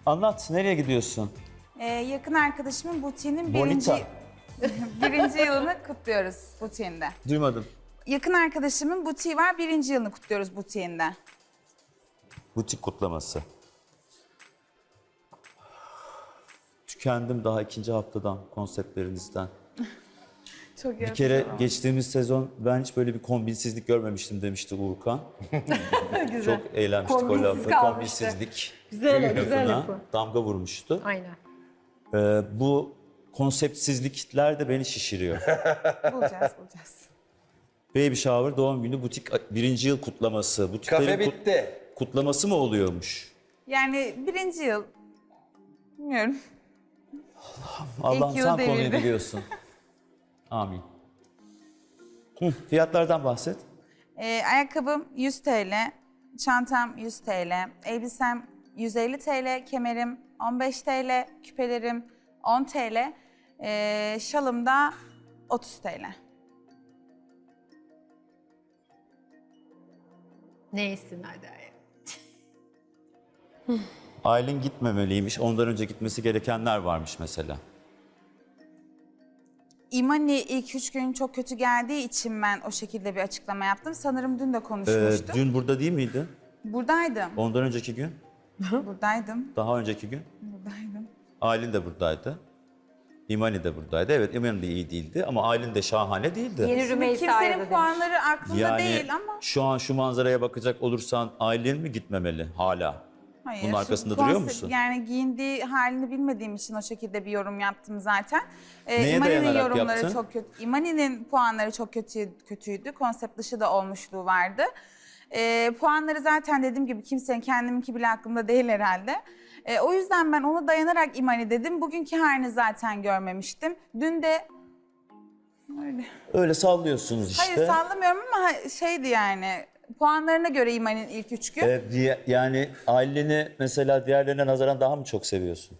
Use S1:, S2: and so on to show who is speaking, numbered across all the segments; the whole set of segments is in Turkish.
S1: Anlat, nereye gidiyorsun?
S2: Yakın arkadaşımın butiğinin
S1: Bonita.
S2: birinci yılını kutluyoruz butiğinde.
S1: Duymadım.
S2: Yakın arkadaşımın butiği var, birinci yılını kutluyoruz butiğinde.
S1: Butik kutlaması. Tükendim daha ikinci haftadan, konseptlerinizden.
S2: Çok
S1: Bir kere geçtiğimiz sezon ben hiç böyle bir kombinsizlik görmemiştim demişti Uğurkan. Çok eğlenmiştik o
S3: Kombinsiz
S1: lafı.
S3: kalmıştı.
S1: Kombinsizlik
S3: Güzel, güzel
S1: lafına
S3: lafı.
S1: damga vurmuştu.
S3: Aynen.
S1: Bu konseptsizlikler de beni şişiriyor.
S2: bulacağız.
S1: Baby shower, doğum günü, butik birinci yıl kutlaması. Butiklerin
S4: Kafe bitti.
S1: kutlaması mı oluyormuş?
S2: Yani birinci yıl, bilmiyorum.
S1: Allah'ım
S2: yıl
S1: sen konuyu
S2: devirdi.
S1: biliyorsun. Amin. Fiyatlardan bahset.
S2: Ayakkabım 100 TL, çantam 100 TL, elbisem 150 TL, kemerim 15 TL, küpelerim 10 TL, şalım da 30 TL.
S3: Neysin hadi.
S1: Aylin gitmemeliymiş. Ondan önce gitmesi gerekenler varmış mesela.
S2: İmani ilk 3 gün çok kötü geldiği için ben o şekilde bir açıklama yaptım. Sanırım dün de konuşmuştuk.
S1: Dün burada değil miydi?
S2: Buradaydım,
S1: Ondan önceki gün?
S2: buradaydım,
S1: Daha önceki gün?
S2: buradaydım.
S1: Aylin de buradaydı. İmani de buradaydı. Evet, İmani de iyi değildi ama Aylin de şahane değildi.
S3: Yeni
S2: Şimdi
S3: Rümeysa'ya da
S2: kimsenin
S3: demiş.
S2: puanları aklımda
S1: Yani
S2: değil ama...
S1: şu an şu manzaraya bakacak olursan Aylin mi gitmemeli hala?
S2: Hayır.
S1: Bunun arkasında
S2: Konsept-
S1: duruyor musun?
S2: Yani giyindiği halini bilmediğim için o şekilde bir yorum yaptım zaten.
S1: Neye
S2: İmani'nin
S1: dayanarak
S2: yorumları
S1: yaptın?
S2: çok kötü. İmani'nin puanları çok kötüydü. Konsept dışı da olmuşluğu vardı. Puanları zaten dediğim gibi kimsenin kendiminki bile aklımda değil herhalde. O yüzden ben ona dayanarak İmani dedim. Bugünkü halini zaten görmemiştim. Dün de öyle.
S1: Öyle sallıyorsunuz işte.
S2: Hayır sallamıyorum ama şeydi yani. Puanlarına göre İmani'nin ilk 3 gün.
S1: Yani Aylin'i mesela diğerlerine nazaran daha mı çok seviyorsun?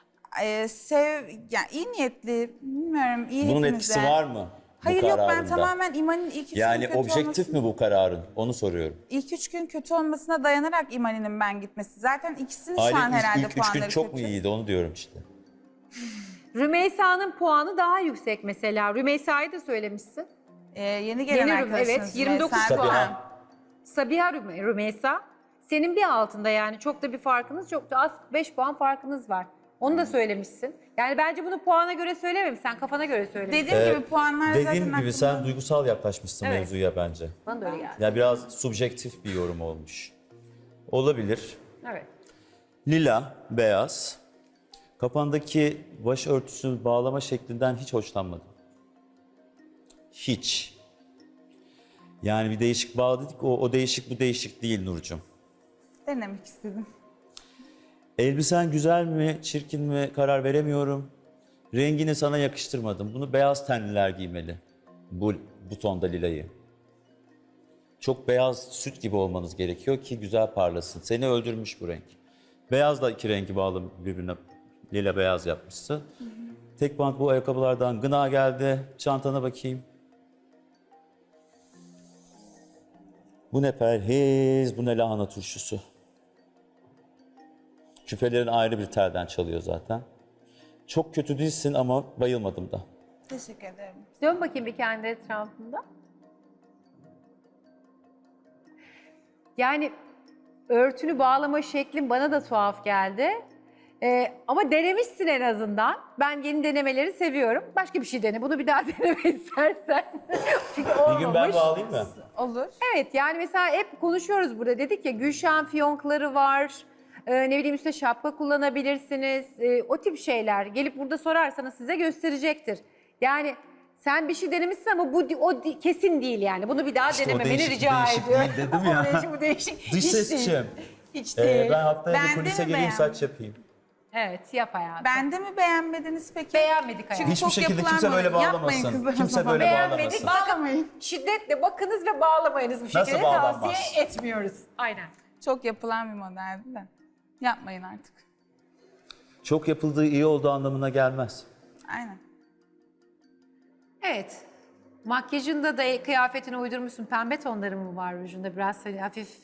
S2: Yani iyi niyetli, bilmiyorum iyi
S1: Bunun
S2: hepimize.
S1: etkisi var mı?
S2: Hayır
S1: bu
S2: yok ben
S1: kararında?
S2: tamamen İmani'nin ilk 3 gün
S1: Yani
S2: kötü
S1: objektif mi bu kararın? Onu soruyorum.
S2: İlk 3 gün kötü olmasına dayanarak İmani'nin ben gitmesi. Zaten ikisinin şu an
S1: Aylin
S2: herhalde
S1: ilk 3 gün
S2: puanları
S1: çok
S2: kötü.
S1: mu iyiydi onu diyorum işte.
S3: Rümeysa'nın puanı daha yüksek mesela. Rümeysa'yı da söylemişsin.
S2: Yeni gelen
S3: Yeni
S2: arkadaşınız.
S3: evet, 29
S2: Rümeysa
S3: puan.
S2: Erdoğan.
S3: Sabiha Rümeysa. Senin bir altında yani çok da bir farkınız çok da az 5 puan farkınız var. Onu da söylemişsin. Yani bence bunu puana göre söylememişsin. Sen kafana göre söylemişsin.
S2: Dediğim gibi puanlar zaten
S1: Dediğim gibi
S2: aklımda.
S1: sen duygusal yaklaşmışsın
S3: Evet.
S1: mevzuya bence.
S3: Bana da öyle geldi.
S1: Ya biraz subjektif bir yorum olmuş. Olabilir.
S3: Evet.
S1: Lila, beyaz. Kafandaki başörtüsü bağlama şeklinden hiç hoşlanmadım. Hiç. Yani bir değişik bağladık. O değişik bu değişik değil Nurcuğum.
S2: Denemek istedim.
S1: Elbisen güzel mi, çirkin mi karar veremiyorum. Rengini sana yakıştırmadım. Bunu beyaz tenliler giymeli. Bu tonda lilayı. Çok beyaz süt gibi olmanız gerekiyor ki güzel parlasın. Seni öldürmüş bu renk. Beyazla iki rengi bağlı birbirine lila beyaz yapmışsın. Tek bant bu ayakkabılardan gına geldi. Çantana bakayım. Bu ne perhiz, bu ne lahana turşusu. Küpelerin ayrı bir telden çalıyor zaten. Çok kötü değilsin ama bayılmadım da.
S2: Teşekkür ederim.
S3: Dön bakayım bir kendi etrafında. Yani örtünü bağlama şeklin bana da tuhaf geldi. Ama denemişsin en azından. Ben yeni denemeleri seviyorum. Başka bir şey dene. Bunu bir daha deneme istersen. Çünkü olmamış.
S1: Bir gün ben bağlayayım mı?
S2: Olur.
S3: Evet yani mesela hep konuşuyoruz burada. Dedik ya Gülşah'ın fiyonkları var. Ne bileyim üstüne şapka kullanabilirsiniz. O tip şeyler. Gelip burada sorarsanız size gösterecektir. Yani sen bir şey denemişsin ama kesin değil yani. Bunu bir daha
S1: İşte o
S3: denememeni
S1: değişik,
S3: rica
S1: değişik
S3: ediyorum.
S1: değil dedim ya.
S3: O değişik, bu değişik.
S1: Dış
S3: Hiç
S1: sesçim.
S3: değil. Hiç değil.
S1: Ben haftaya
S2: Ben
S1: bir
S2: de
S1: kulise
S2: mi
S1: geleyim
S2: beğendim?
S1: saç yapayım.
S3: Evet yap hayatım.
S2: Bende mi beğenmediniz peki?
S3: Beğenmedik hayatım.
S1: Hiçbir
S2: çok
S1: şekilde
S2: yapılan
S1: kimse böyle
S2: böyle. Yapmayın
S1: bağlamasın.
S2: kızlar o
S1: Kimse
S2: zaman.
S1: böyle
S3: Beğenmedik.
S1: bağlamasın.
S2: Bağlamayın.
S3: Şiddetle bakınız ve bağlamayınız bu
S1: Nasıl
S3: şekilde
S1: bağlanmaz?
S3: tavsiye etmiyoruz. Aynen.
S2: Çok yapılan bir modeldi de. Yapmayın artık.
S1: Çok yapıldığı iyi olduğu anlamına gelmez.
S2: Aynen.
S3: Evet. Makyajında da kıyafetine uydurmuşsun. Pembe tonları mı var rujunda? Biraz hani hafif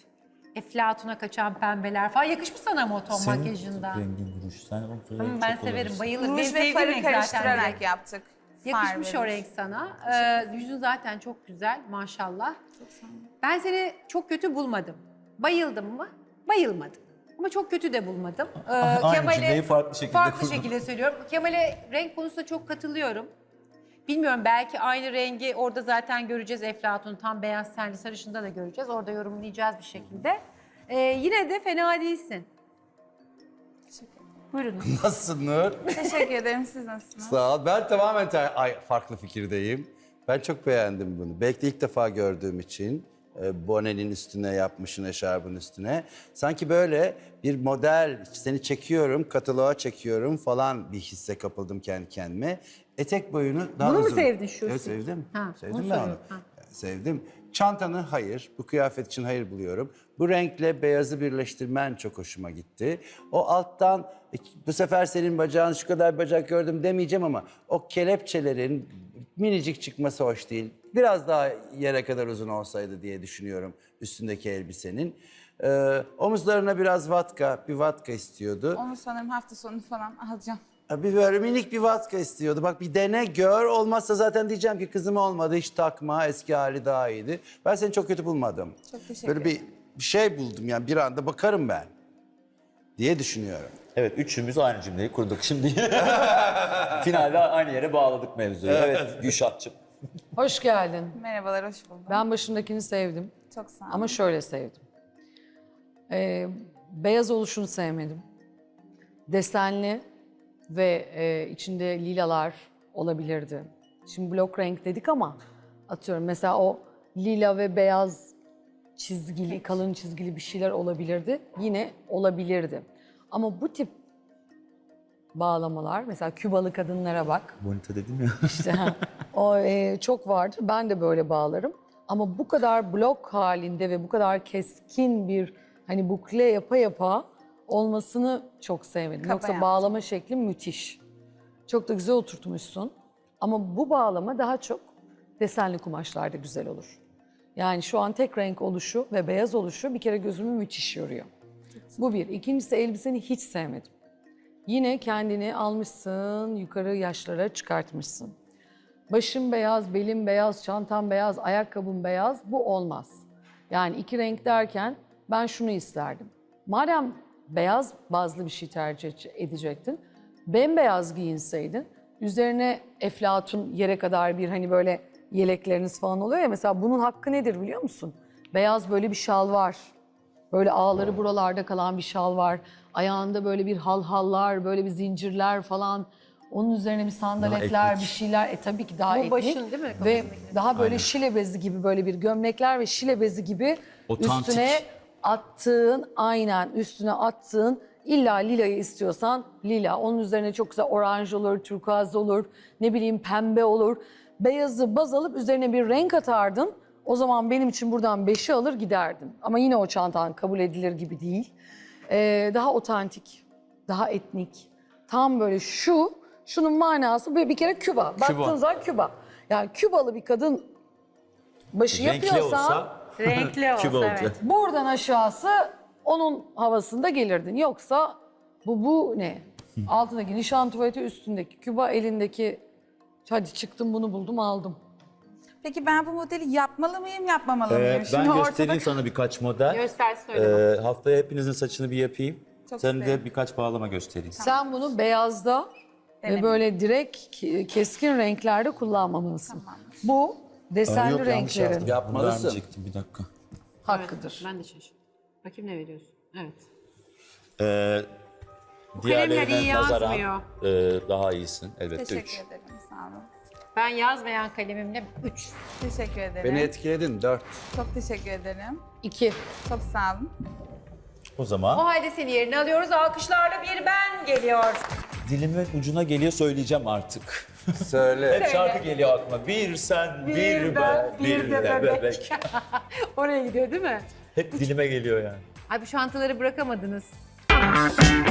S3: Eflatuna kaçan pembeler falan. Yakışmış sana ama o ton
S1: Senin
S3: makyajında.
S1: rengin duruş. Sen o
S3: Ben
S1: çok
S3: severim,
S1: olabilirsin.
S3: bayılırım. Benim
S2: Ruj ve
S3: sevdiğim
S2: farı
S3: renk zaten
S2: karıştırarak
S3: direkt.
S2: yaptık.
S3: Yakışmış
S2: Far
S3: o
S2: ve
S3: renk
S2: ruj.
S3: sana. Yüzün zaten çok güzel maşallah.
S2: Çok sağ olun.
S3: Ben seni çok kötü bulmadım. Bayıldım mı? Bayılmadım. Ama çok kötü de bulmadım.
S1: Aynı cümleyi farklı şekilde kurdum.
S3: şekilde söylüyorum. Kemal'e renk konusunda çok katılıyorum. Bilmiyorum, belki aynı rengi orada zaten göreceğiz Eflatun. Tam beyaz tenli sarışında da göreceğiz. Orada yorumlayacağız bir şekilde. Yine de fena değilsin. Buyurun.
S4: Nasılsın Nur?
S2: Teşekkür ederim. Siz nasılsınız?
S4: Sağ ol. Ben tamamen farklı fikirdeyim. Ben çok beğendim bunu. Belki de ilk defa gördüğüm için bonenin üstüne yapmışın, eşarbın üstüne. Sanki böyle bir model, seni çekiyorum, kataloğa çekiyorum falan bir hisse kapıldım kendi kendime. Etek boyunu daha
S3: Bunu mu
S4: uzun.
S3: sevdin şu?
S4: Evet sevdim.
S3: Ha,
S4: Sevdim
S3: onu
S4: ben onu.
S3: soruyorum. Ha.
S4: Sevdim. Çantanı hayır, bu kıyafet için hayır buluyorum. Bu renkle beyazı birleştirmen çok hoşuma gitti. O alttan bu sefer senin bacağın şu kadar bacak gördüm demeyeceğim ama o kelepçelerin minicik çıkması hoş değil. Biraz daha yere kadar uzun olsaydı diye düşünüyorum üstündeki elbisenin. Omuzlarına biraz bir vatka istiyordu.
S2: Onu sanırım hafta sonu falan alacağım.
S4: Bir böyle minik bir vatka istiyordu. Bak bir dene gör. Olmazsa zaten diyeceğim ki kızım olmadı hiç takma. Eski hali daha iyiydi. Ben seni çok kötü bulmadım.
S2: Çok teşekkür
S4: Böyle bir şey buldum yani bir anda bakarım ben diye düşünüyorum.
S1: Evet, üçümüz aynı cümleyi kurduk şimdi. Finalde aynı yere bağladık mevzuyu. Evet, Gülşah'cığım.
S5: Hoş geldin.
S2: Merhabalar, hoş buldum.
S5: Ben başındakini sevdim
S2: Çok sağ olun.
S5: ama şöyle sevdim. Beyaz oluşunu sevmedim. Desenli ve içinde lilalar olabilirdi. Şimdi blok renk dedik ama atıyorum mesela o lila ve beyaz çizgili, kalın çizgili bir şeyler olabilirdi. Yine olabilirdi. Ama bu tip bağlamalar, mesela Kübalı kadınlara bak.
S1: Bonita dedim ya.
S5: İşte o çok vardır. Ben de böyle bağlarım. Ama bu kadar blok halinde ve bu kadar keskin bir hani bukle yapa yapa olmasını çok sevmedim.
S2: Kaba
S5: Yoksa
S2: yaptım.
S5: bağlama şekli müthiş. Çok da güzel oturtmuşsun. Ama bu bağlama daha çok desenli kumaşlarda güzel olur. Yani şu an tek renk oluşu ve beyaz oluşu bir kere gözümü müthiş yoruyor. Bu bir. İkincisi elbiseni hiç sevmedim. Yine kendini almışsın, yukarı yaşlara çıkartmışsın. Başın beyaz, belin beyaz, çantan beyaz, ayakkabın beyaz. Bu olmaz. Yani iki renk derken ben şunu isterdim. Madem beyaz bazlı bir şey tercih edecektin, bembeyaz giyinseydin, üzerine eflatun yere kadar bir hani böyle yelekleriniz falan oluyor ya, mesela bunun hakkı nedir biliyor musun? Beyaz böyle bir şal var. Böyle ağları buralarda kalan bir şal var. Ayağında böyle bir halhallar, böyle bir zincirler falan. Onun üzerine bir sandaletler,
S1: etnik.
S5: bir şeyler. Tabii ki daha
S3: Bu
S5: etnik.
S3: başın değil mi?
S5: Ve
S3: Kafasındaki.
S5: daha böyle
S1: Aynen.
S5: şile bezi gibi böyle bir gömlekler ve şile bezi gibi
S1: Otantik.
S5: üstüne attığın, aynen üstüne attığın, illa lilayı istiyorsan lila. Onun üzerine çok güzel oranj olur, turkuaz olur, ne bileyim pembe olur. Beyazı baz alıp üzerine bir renk atardın. O zaman benim için buradan 5'i alır giderdim. Ama yine o çantan kabul edilir gibi değil. Daha otantik, daha etnik. Tam böyle şunun manası bir kere Küba. Baktığın zaman Küba. Yani Kübalı bir kadın başı
S1: Renkli
S5: yapıyorsa
S1: olsa
S3: Renkli olsa
S1: Küba olacak.
S3: evet.
S5: buradan aşağısı onun havasında gelirdin. Yoksa bu ne? Altındaki nişan tuvaleti, üstündeki Küba, elindeki hadi çıktım bunu buldum aldım.
S2: Peki ben bu modeli yapmalı mıyım, yapmamalı mıyım?
S1: Ben göstereyim sana birkaç model.
S3: Göster söyle.
S1: Haftaya hepinizin saçını bir yapayım.
S2: Çok
S1: Sen de
S2: isterim.
S1: birkaç bağlama göstereyim.
S5: Sen bunu beyazda ve
S2: Denedim.
S5: böyle direkt keskin renklerde kullanmamalısın. Bu desenli
S1: Yok, yanlış
S5: renklerin
S1: yazdım.
S4: Yapmalısın.
S1: Vermeyecektim, bir dakika.
S5: hakkıdır.
S3: Ben de şaşırdım. Bakayım ne veriyorsun? Evet.
S1: Ee,
S3: kalemler iyi
S1: diğerlerine nazaran
S3: yazmıyor.
S1: daha iyisin. Elbette
S2: Teşekkür
S1: 3.
S2: ederim, sağ olun.
S3: Ben yazmayan kalemimle 3.
S2: Teşekkür ederim.
S4: Beni etkiledin 4.
S2: Çok teşekkür ederim.
S5: 2.
S2: Çok sağ olun.
S1: O
S3: O
S1: zaman
S3: halde seni yerine alıyoruz. Alkışlarla bir ben geliyor.
S1: dilimin ucuna geliyor, söyleyeceğim artık.
S4: Söyle.
S1: Hep şarkı geliyor aklıma. Bir sen, bir ben, bir de bebek.
S3: Oraya gidiyor değil mi?
S1: Hep dilime geliyor yani.
S3: Ay bu şantaları bırakamadınız.